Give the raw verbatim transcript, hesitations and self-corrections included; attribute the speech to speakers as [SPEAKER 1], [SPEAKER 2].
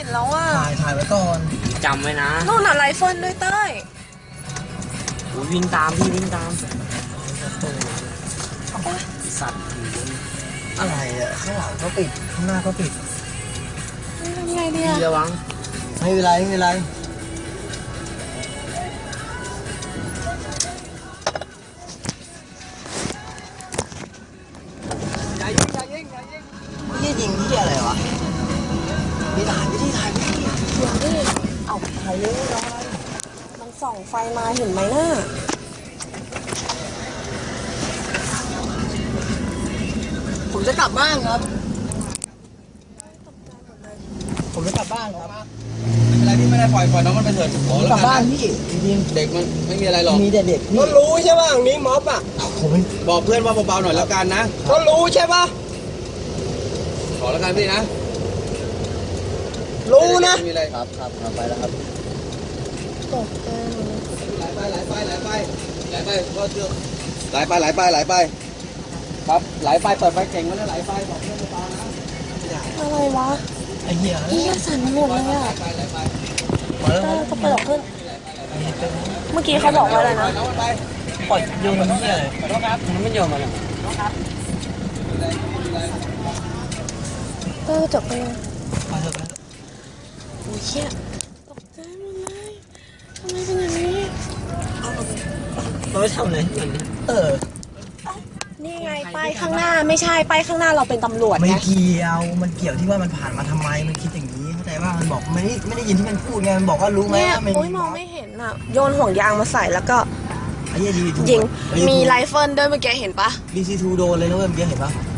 [SPEAKER 1] ห็นแล้วว่า
[SPEAKER 2] ถ่ายถ่ายไว้ก่อน
[SPEAKER 3] จำไว้นะ
[SPEAKER 1] นู่นอะไรเฟิร์นด้วยเต้ย
[SPEAKER 3] วิ่งตามพี่วิ่งตามสัตว์
[SPEAKER 2] อะไรอ่ะข้างหลังก็ปิดข้างหน้าก็ปิด
[SPEAKER 1] ทำไงดีอะ
[SPEAKER 3] ระวัง
[SPEAKER 2] ไม่เป็นไรไม่เป็นไรอย่ายิงอย่ายิงอย่ายิงไม่ยิงที่อะไรวะมีถ่ายไม่ได้ถ่ายไม่ได้
[SPEAKER 1] เดี๋ยวดิเอาถ่ายเร็วน้อยมันส่องไฟมาเห็นไหมน่ะ
[SPEAKER 2] ผมจะกลับบ้านครับผมจะกลับบ้านครับ
[SPEAKER 4] ไม่เป็นไรพี่ไม่ได้ปล่อยปล่อยน้องมันไปเถิดขอแล้ว
[SPEAKER 2] กลับ
[SPEAKER 4] กัน
[SPEAKER 2] บ้าน
[SPEAKER 4] นะ
[SPEAKER 2] พี่จริง
[SPEAKER 4] เด็กมันไม่มีอะไรหรอก
[SPEAKER 2] มีแต่เด็กพี่
[SPEAKER 4] ก็รู้ใช่ป่ะตรงนี้ม็อบอ่ะ
[SPEAKER 2] ผม
[SPEAKER 4] บอกเพื่อนว่าเบาๆหน่อยแล้วกันนะก็รู้ใช่ป่ะขอแล้วกันพี่นะรู้นะไม่มีอะไร
[SPEAKER 2] ครับครับครับไปแล้วครับ
[SPEAKER 1] ตกใจหมดเลย
[SPEAKER 4] ไหลไปไหลไปไหลไปไหลไปก็เชื่อไหลไปไหลไปไหลไปครับไหลไปเปิดไฟเก่งมันแล้วไหลไปบอกเพื่อนเบาๆนะ
[SPEAKER 1] อะไรวะ
[SPEAKER 2] ไอ้เหี้ย
[SPEAKER 1] เฮียสั่นหมดเลยอะ
[SPEAKER 4] ไปไหลไป
[SPEAKER 2] มาแล้ว
[SPEAKER 1] เต้ยก็เปิดขึ้นเมื่อกี้เขาบอกว่าอะไรนะ
[SPEAKER 4] น้องมันไป
[SPEAKER 2] ปล่อยโยนมันเหี้ยเลย
[SPEAKER 3] มันไม่ยอมมาหรอก
[SPEAKER 1] เต้ยจบไปยัง
[SPEAKER 2] ไปเถอะไปเถอะ
[SPEAKER 1] โอ้ยเฮียตกใจหมดเลยทำไมเป็นอย่างนี้
[SPEAKER 3] เราไม่ทำอะไรมัน
[SPEAKER 2] เออ
[SPEAKER 1] นี่ไงป้ายข้างหน้าไม่ใช่ป้ายข้างหน้าเราเป็นตำรวจ
[SPEAKER 2] ไม่
[SPEAKER 1] ไง
[SPEAKER 2] เกี่ยวมันเกี่ยวที่ว่ามันผ่านมาทำไมมันคิดอย่างนี้เข้าใจว่ามันบอกไม่ได้ไม่ได้ยินที่มันพูดไงมันบอกว่ารู้ไหม
[SPEAKER 1] เนี่ย
[SPEAKER 2] ว่ามัน
[SPEAKER 1] โอ้ยมองไม่เห็นอ่ะโยนห่วงยางมาใส่แล้วก็
[SPEAKER 2] ไอ้เหี้ยดี
[SPEAKER 1] ยิงมีไรเฟิลด้วยเมื่อกี้เห็นปะ
[SPEAKER 2] ดีซีทูโดนเลยนะเว้ยเมื่อกี้เห็นปะ